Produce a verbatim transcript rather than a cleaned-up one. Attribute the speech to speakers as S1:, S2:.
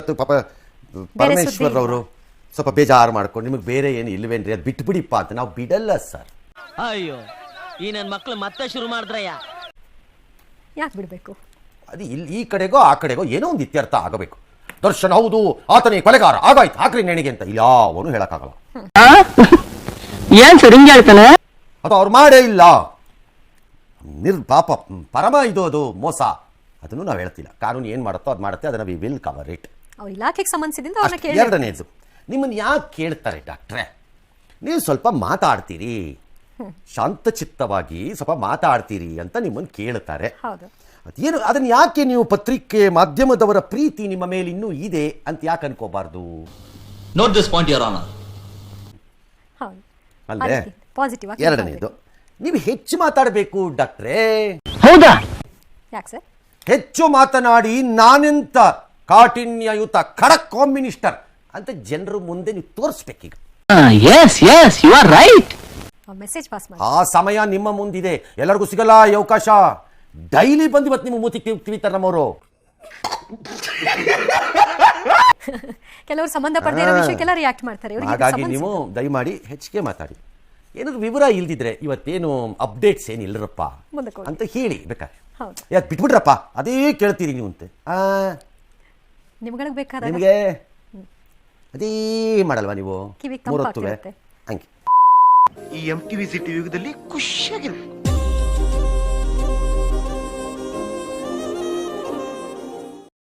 S1: ಪಾಪ ಪರಮೇಶ್ವರ್ ಅವರು ಸ್ವಲ್ಪ ಬೇಜಾರು ಮಾಡ್ಕೊಂಡು ನಿಮಗೆ ಬೇರೆ ಏನು ಇಲ್ವೇನ್ರಿ ಅದು ಬಿಟ್ಬಿಡಿಪ್ಪ ಅಂತ ನಾವು ಬಿಡಲ್ಲ ಸರ್.
S2: ಅಯ್ಯೋ ಈ ನನ್ನ ಮಕ್ಕಳು ಮತ್ತೆ ಶುರು ಮಾಡಿದ್ರಯ್ಯ.
S3: ಯಾಕೆ ಬಿಡಬೇಕು?
S1: ಅದು ಇಲ್ಲಿ ಈ ಕಡೆಗೋ ಆ ಕಡೆಗೋ ಏನೋ ಒಂದು ಇತ್ಯರ್ಥ ಆಗಬೇಕು. ದರ್ಶನ್ ಹೌದು ಆತನೇ ಕೊಲೆಗಾರ ಆಗಾಯ್ತು ಹಾಕ್ರಿ ನೆಣಿಗೆ ಅಂತ ಯಾವನು ಹೇಳಕ್ಕಾಗಲ್ಲ.
S4: ಏನ್ ಸರ್ ಹಿಂಗೆ ಹೇಳ್ತಾನೆ?
S1: ಅದು ಅವ್ರು ಮಾಡೇ ಇಲ್ಲ. ನಿರ್ ಪಾಪ ಪರಮ ಇದು ಅದು ಮೋಸ ಅದನ್ನು ನಾವು ಹೇಳ್ತಿಲ್ಲ. ಕಾನೂನು ಏನು ಮಾಡುತ್ತೋ ಅದು ಮಾಡುತ್ತೆ, ಅದನ್ನು ವಿ ವಿಲ್ ಕವರ್ ಇಟ್.
S3: ಅವ್ರ ಇಲಾಖೆಗೆ ಸಂಬಂಧಿಸಿದಿಂದ ಅವ್ರನ್ನ ಕೇಳಿ.
S1: ಎರಡನೇದು ನಿಮ್ಮನ್ನು ಯಾಕೆ ಕೇಳ್ತಾರೆ ಡಾಕ್ಟ್ರೆ, ನೀವು ಸ್ವಲ್ಪ ಮಾತಾಡ್ತೀರಿ ಶಾಂತಚಿತ್ತವಾಗಿ ಸ್ವಲ್ಪ ಮಾತಾಡ್ತೀರಿ ಅಂತ ನಿಮ್ಮನ್ನು ಕೇಳ್ತಾರೆ.
S3: ಹೌದು.
S1: ಅದೇನು ಅದನ್ನು ಯಾಕೆ ನೀವು ಪತ್ರಿಕೆ ಮಾಧ್ಯಮದವರ ಪ್ರೀತಿ ನಿಮ್ಮ ಮೇಲೆ ಇನ್ನೂ ಇದೆ ಅಂತ ಯಾಕೆ ಅನ್ಕೋಬಾರ್ದು?
S2: Note this point your honour.
S3: ಹೌದು
S1: ಅಲ್ಲೇ
S3: ಪಾಸಿಟಿವ್ ಆಗಿ.
S1: ಎರಡನೇದು ನೀವು ಹೆಚ್ಚು ಮಾತಾಡಬೇಕು ಡಾಕ್ಟ್ರೇ.
S4: ಹೌದಾ?
S3: ಯಾಕೆ ಸರ್?
S1: ಹೆಚ್ಚು ಮಾತನಾಡಿ ನಾನೆಂತ ಕಾಠಿಣ್ಯಯುತ ಖಡಕ್ ಹೋಮ್ ಮಿನಿಸ್ಟರ್ ಅಂತ ಜನರು ಮುಂದೆ ನೀವು ತೋರಿಸ್ಬೇಕೀಗ.
S4: Yes yes you are right.
S3: Message pass ಮಾಡಿ.
S1: ಆ ಸಮಯ ನಿಮ್ಮ ಮುಂದಿದೆ, ಎಲ್ಲರಿಗೂ ಸಿಗಲ್ಲ ಈ ಅವಕಾಶ. ಡೈಲಿ ಬಂದು ಇವತ್ತು ನಿಮ್ಮ ಮೂತಿ ತಿವಿತಾರೆ ನಮ್ಮವರು.
S3: ಕೆಲವರು ಸಂಬಂಧಪಟ್ಟ ಇರೋ ವಿಷಯಕ್ಕೆಲ್ಲ ರಿಯಾಕ್ಟ್ ಮಾಡ್ತಾರೆ.
S1: ಹಾಗಾಗಿ ನೀವು ದಯಮಾಡಿ ಹೆಚ್ಚಿಗೆ ಮಾತಾಡಿ. ಏನಾದ್ರು ವಿವರ ಇಲ್ದಿದ್ರೆ ಇವತ್ತೇನು ಅಪ್ಡೇಟ್ಸ್ ಏನಿಲ್ಲರಪ್ಪ ಅಂತ ಹೇಳಿ ಬೇಕಾದ್ರೆ. ಯಾಕೆ ಬಿಟ್ಬಿಟ್ರಪ್ಪ ಅದೇ ಕೇಳ್ತೀರಿ ನೀವು ಅಂತೆ.
S3: ನಿಮ್ಗಳಿಗೆ ಬೇಕಾದ
S1: ನಿಮಗೆ ಅದೇ ಮಾಡಲ್ವಾ ನೀವು ಮೂರೊತ್ತುವೆ ಹಂಗೆ.
S5: ಈ ಎಂ ಟಿವಿ ಸಿಟಿ ಯುಗದಲ್ಲಿ ಖುಷಿಯಾಗಿರು.